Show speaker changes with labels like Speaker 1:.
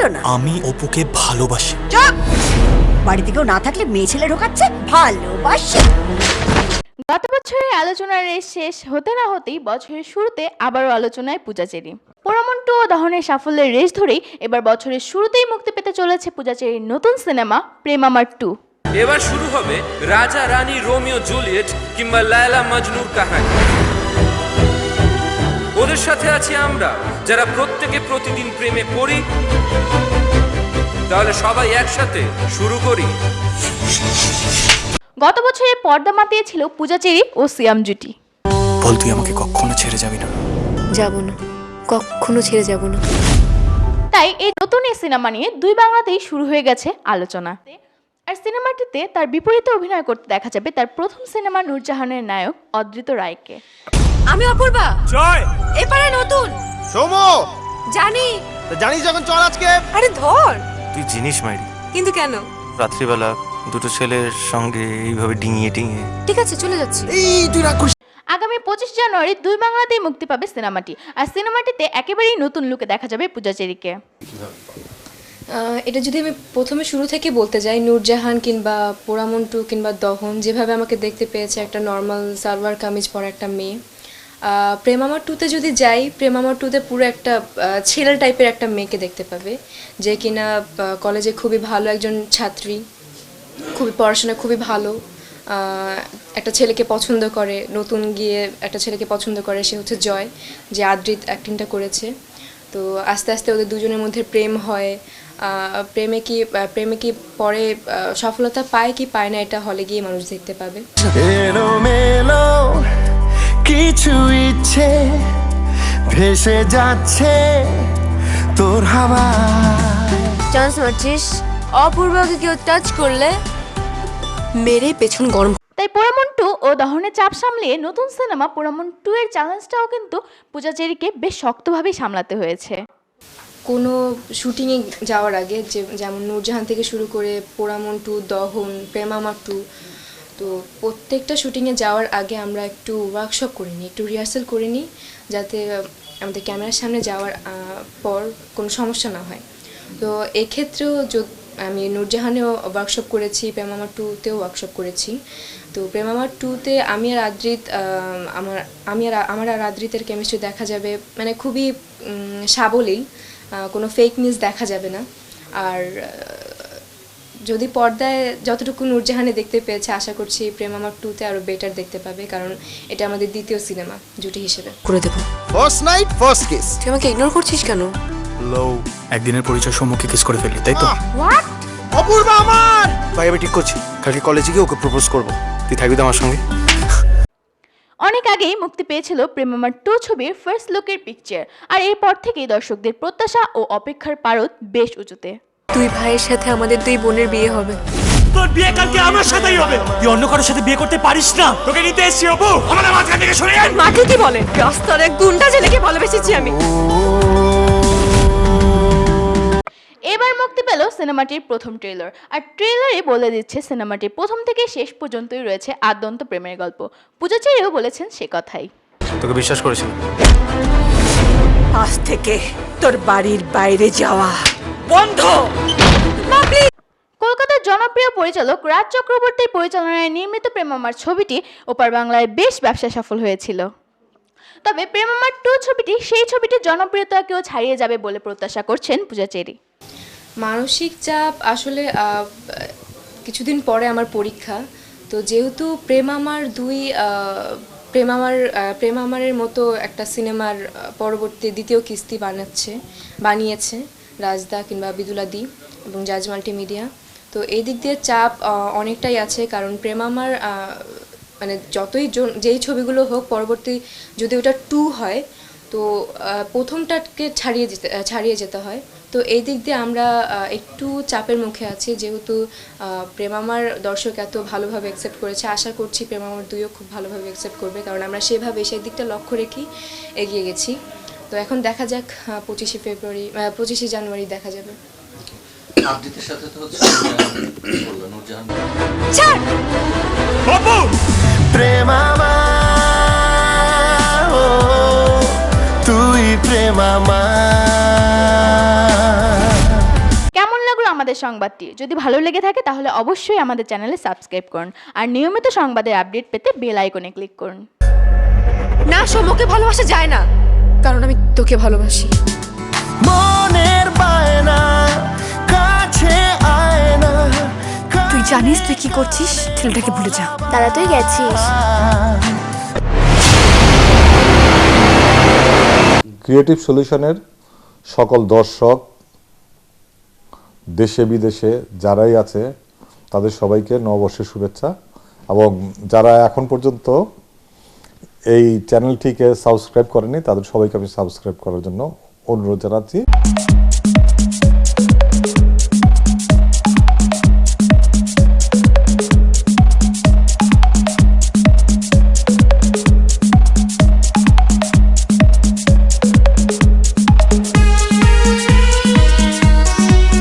Speaker 1: না?
Speaker 2: আমি অপুকে ভালোবাসি।
Speaker 1: চুপ! বাড়িতে কেউ না থাকলে মেয়ে ছেলে ঢোকাচ্ছে ভালোবাসি।
Speaker 3: গত বছরের আলোচনার রেস শেষ হতে না হতেই বছরের শুরুতে আবারও আলোচনায় পূজাচেরি। পোড়ামন্টু ও দহনের সাফল্যের রেস ধরেই এবার বছরের শুরুতেই মুক্তি পেতে চলেছে পূজাচেরির নতুন সিনেমা প্রেম আমার 2।
Speaker 4: এবার শুরু হবে রাজা রানী রোমিও জুলিয়েট কিংবা লায়লা মজনুর কাহিনী। ওদের সাথে আছি আমরা, যারা প্রত্যেকে প্রতিদিন প্রেমে পড়ি। তাহলে সবাই একসাথে শুরু করি।
Speaker 3: গত বছরে পর্দা মাতিয়েছিল পূজাচেরি ও সিয়াম জুটি।
Speaker 2: বল তুই আমাকে কখনো ছেড়ে যাবি না।
Speaker 5: যাব না, কখনো ছেড়ে যাব না।
Speaker 3: তাই এই নতুন এই সিনেমা নিয়ে দুই বাংলাতেই শুরু হয়ে গেছে আলোচনা। আর সিনেমাটিতে তার বিপরীতে অভিনয় করতে দেখা যাবে তার প্রথম সিনেমা নূরজাহানের নায়ক অদ্রিত রায়কে।
Speaker 5: আমি অপূর্বা,
Speaker 2: জয়
Speaker 5: এপারে নতুন
Speaker 6: সোমো
Speaker 5: জানি।
Speaker 6: জানিস যখন চল আজকে।
Speaker 5: আরে ধর।
Speaker 7: তুই জিনিস মাইরি,
Speaker 5: কিন্তু কেন?
Speaker 7: রাত্রিবেলা দুটো ছেলের সঙ্গে এইভাবে ডিঙিয়ে ডিঙিয়ে।
Speaker 5: ঠিক আছে, চলে যাচ্ছি।
Speaker 6: এই তুই রাগ করিস।
Speaker 3: আগামী 25 জানুয়ারি দুই বাংলাতেই মুক্তি পাবে সিনেমাটি। আর সিনেমাটিতে একেবারেই নতুন লুকে দেখা যাবে পূজাচেরিকে।
Speaker 5: এটা যদি আমি প্রথমে শুরু থেকে বলতে যাই, নূরজাহান কিংবা পোড়ামন্টু কিংবা দহন যেভাবে আমাকে দেখতে পেয়েছে একটা নর্মাল সালোয়ার কামিজ পরা একটা মেয়ে, প্রেম আমার 2তে যদি যাই, প্রেম আমার 2তে পুরো একটা ছেলে টাইপের একটা মেয়েকে দেখতে পাবে, যে কিনা কলেজে খুবই ভালো একজন ছাত্রী, খুবই পড়াশোনা খুবই ভালো, একটা ছেলেকে পছন্দ করে, নতুন গিয়ে একটা ছেলেকে পছন্দ করে, সে হচ্ছে জয়, যে আদ্রিত অ্যাক্টিংটা করেছে। তো আস্তে আস্তে ওদের দুজনের মধ্যে প্রেম হয়। প্রেমে কি পরে সফলতা পায় কি পায় না, এটা হলে গিয়ে মানুষ দেখতে পাবে।
Speaker 6: এলোমেলো কিছু ইচ্ছে ভেসে যাচ্ছে তোর হাওয়া।
Speaker 5: চান্স মারছিস? অপূর্বকে কেউ টাচ করলে মেরে পেছন গরম।
Speaker 3: তাই পোড়ামন্টু ও দহনের চাপ সামলিয়ে নতুন সিনেমা পোড়ামন্টু 2 এর চ্যালেঞ্জটাও কিন্তু পূজাচেরিকে বেশ শক্তভাবেই সামলাতে হয়েছে।
Speaker 5: কোনো শুটিংয়ে যাওয়ার আগে যেমন নূরজাহান থেকে শুরু করে পোড়ামন্টু, দহন, প্রেম আমার 2, তো প্রত্যেকটা শুটিংয়ে যাওয়ার আগে আমরা একটু ওয়ার্কশপ করে নিই, একটু রিহার্সাল করে নিই, যাতে আমাদের ক্যামেরার সামনে যাওয়ার পর কোনো সমস্যা না হয়। তো এক্ষেত্রেও আমি নূরজাহানেও ওয়ার্কশপ করেছি, প্রেম আমার 2তেও ওয়ার্কশপ করেছি। তো প্রেম আমার 2তে আমি আর আদ্রিতের কেমিস্ট্রি দেখা যাবে মানে খুবই সাবলীল, কোনো ফেক নিউজ দেখা যাবে না। আর যদি পর্দায় যতটুকু নূরজাহানে দেখতে পেয়েছে, আশা করছি প্রেম আমার 2তে আরও বেটার দেখতে পাবে, কারণ এটা আমাদের দ্বিতীয় সিনেমা জুটি হিসেবে।
Speaker 8: করে দেবো।
Speaker 6: First night first kiss.
Speaker 8: তুই আমাকে ইগনোর করছিস কেন?
Speaker 2: লো একদিনের পরিচয় সম্মুখে কিস করে ফেললি, তাই তো?
Speaker 5: হোয়াট?
Speaker 6: অপূর্বা আমার
Speaker 7: ভাই আমি ঠিক করছি, কালকে কলেজে গিয়ে ওকে প্রপোজ করবো। তুই থাকবি তো আমার সঙ্গে?
Speaker 3: অনেক আগেই মুক্তি পেয়েছিল প্রেম আমার 2 ছবির ফার্স্ট লুকের পিকচার। আর এরপর থেকেই দর্শকদের প্রত্যাশা ও অপেক্ষার পারদ বেশ উঁচুতে।
Speaker 8: তুই ভাইয়ের সাথে আমাদের দুই বোনের বিয়ে হবে।
Speaker 2: তোর বিয়ে কালকে আমার সাথেই হবে। তুই অন্য কারোর সাথে বিয়ে করতে পারিস না। তোকে নিতে এসেছি অপু। আমাদের মাঝখান থেকে সরে আয়।
Speaker 8: মাকে কি বলে? রাস্তার এক গুন্ডা ছেলেকে ভালোবেসেছি আমি।
Speaker 3: এবার মুক্তি পেল সিনেমাটির প্রথম ট্রেলার। আর ট্রেলারে বলে দিচ্ছে সিনেমাটির প্রথম থেকে শেষ পর্যন্তই রয়েছে আদ্যন্ত প্রেমের গল্প। পূজাচেরিও বলেছেন সে কথাই।
Speaker 7: তোকে বিশ্বাস করেছিলাম।
Speaker 1: আজ থেকে তোর বাড়ির বাইরে যাওয়া বন্ধ।
Speaker 3: কলকাতার জনপ্রিয় পরিচালক রাজ চক্রবর্তীর পরিচালনায় নির্মিত প্রেম আমার ছবিটি ওপার বাংলায় বেশ ব্যবসা সফল হয়েছিল। তবে প্রেম আমার 2 ছবিটি সেই ছবিটির জনপ্রিয়তাকেও ছাড়িয়ে যাবে বলে প্রত্যাশা করছেন পূজাচেরি।
Speaker 5: মানসিক চাপ আসলে কিছুদিন পরে আমার পরীক্ষা, তো যেহেতু প্রেম আমারের মতো একটা সিনেমার পরবর্তী দ্বিতীয় কিস্তি বানিয়েছে রাজদা কিংবা বিদুলাদি এবং জাজ মাল্টিমিডিয়া, তো এই দিক দিয়ে চাপ অনেকটাই আছে। কারণ প্রেম আমার মানে যেই ছবিগুলো হোক, পরবর্তী যদি ওটা 2 হয় তো প্রথমটাকে ছাড়িয়ে যেতে হয়। তো এই দিক দিয়ে আমরা একটু চাপের মুখে আছি, যেহেতু প্রেম আমার দর্শক এত ভালোভাবে অ্যাকসেপ্ট করেছে। আশা করছি প্রেম আমার 2ও খুব ভালোভাবে অ্যাকসেপ্ট করবে, কারণ আমরা সেই দিকটা লক্ষ্য রেখেই এগিয়ে গেছি। তো এখন দেখা যাক 25 জানুয়ারি দেখা যাবে।
Speaker 9: আবৃত্তির সাথে তো হচ্ছে নূরজাহান।
Speaker 6: প্রেম আমার, ও তুই প্রেম আমার।
Speaker 3: আমাদের সংবাদটি যদি ভালো লেগে থাকে তাহলে অবশ্যই আমাদের চ্যানেলে সাবস্ক্রাইব করুন আর নিয়মিত সংবাদের আপডেট পেতে বেল আইকনে ক্লিক করুন।
Speaker 8: না, সমকে ভালোবাসা যায় না, কারণ আমি তোকে ভালোবাসি।
Speaker 6: মনের বায়না কাছে আয় না,
Speaker 8: তুই জানিস তুই কি করছিস? ছেলেটাকে ভুলে যা।
Speaker 3: তারা তুই গেছিস।
Speaker 10: ক্রিয়েটিভ সলিউশনের সকল দর্শক দেশে বিদেশে যারাই আছে তাদের সবাইকে নববর্ষের শুভেচ্ছা, এবং যারা এখন পর্যন্ত এই চ্যানেলটিকে সাবস্ক্রাইব করেনি তাদের সবাইকে আমি সাবস্ক্রাইব করার জন্য অনুরোধ জানাচ্ছি।